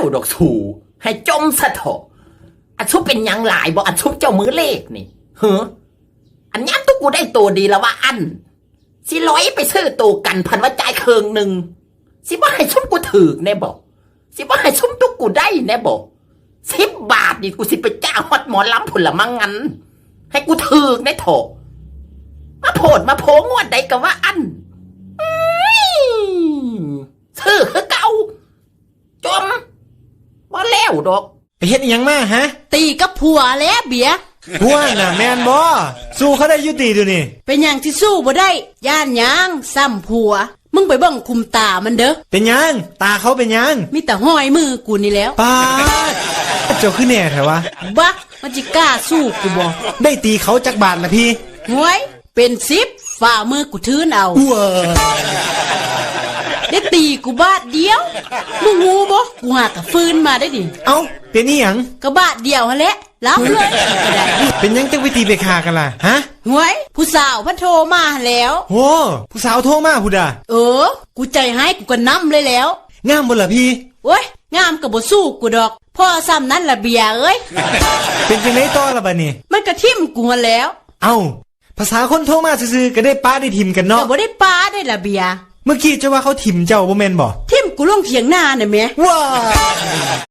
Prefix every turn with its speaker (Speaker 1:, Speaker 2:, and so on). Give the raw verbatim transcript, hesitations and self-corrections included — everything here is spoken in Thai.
Speaker 1: แล้วดอกสูให้จมซะเถอะอันชุบเป็นยังหลายบอกอันชุบเจ้ามือเลขนี่เฮ้ออันย้ำตุกกูได้ตัวดีแล้วว่าอันสิร้อยไปซื้อตัวกันพันว่าจ่ายเคืองหนึ่งสิว่าให้ชุบกูถือแน่บอกสิว่าให้ชุบตุกกูได้แน่บอกสิบบาทนี่กูสิไปจ้างฮอดหมอลำผลละมังงันให้กูถือแน่เถอะมาโผดมาโผงวดใดก็ว่าอันซื้อคือเก่าจมว่าแล้วดอก
Speaker 2: ไปเฮ็ดอีหยังมาฮะ
Speaker 3: ตีกับผัวแล้วเบีย
Speaker 2: ผัวน่ะแม่นบ่สู้เขาได้ยุติดูนี่
Speaker 3: เป็นหยังที่สู้บ่ได้ย่านหยังซ้ำผัวมึงไปเบิ่งคุมตามันเด้อ
Speaker 2: เป็นหยังตาเขาเป็นหยัง
Speaker 3: มีแต่ห้อยมือกูนี่แล้ว
Speaker 2: ป้าเจ้าคือแน่แท้วะ
Speaker 3: บักมันจิกล้าสู้กูบ่
Speaker 2: ได้ตีเขาจักบาทละพี่
Speaker 3: หวยเป็นสิบฝ่ามือกูทื้นเอาได้ตีกูบาทเดียวมึงงูบ่กูหากะฟื้นมาได้ดิ
Speaker 2: เอ้าเป็นนี่หยัง
Speaker 3: ก็บาทเดียวหั่นแหละรับเลยก็ได้
Speaker 2: เป็นยังจังวิธีไปฆ่ากันล่ะฮะ
Speaker 3: หวยผู้สาวพันโทรมาแล้ว
Speaker 2: โอ้ผู้สาวโทรมาพุดา
Speaker 3: เออกูใจให้กูก็นำเลยแล้ว
Speaker 2: งามบ่ล่ะพี่
Speaker 3: โอ้ยงามก็บ่สู้กูดอกพ่อซ้ำนั้นล่ะเบียเอ้ย
Speaker 2: เป็นจังได๋ต่อล่ะบัดนี้
Speaker 3: มันก็ทิ่มกูหั่นแล้ว
Speaker 2: เอ้าภาษาคนโทรมาซื่อๆก็ได้ป้าได้ทิ่มกันเนาะ
Speaker 3: ก็บ่ได้ป้าได้ล่ะเบีย
Speaker 2: เมื่อกี้จะว่าเขาทิ่มเจ้าบ่แม่นบ่
Speaker 3: ทิ่มกูลงเถียงนาน่ะแม่
Speaker 2: ว้า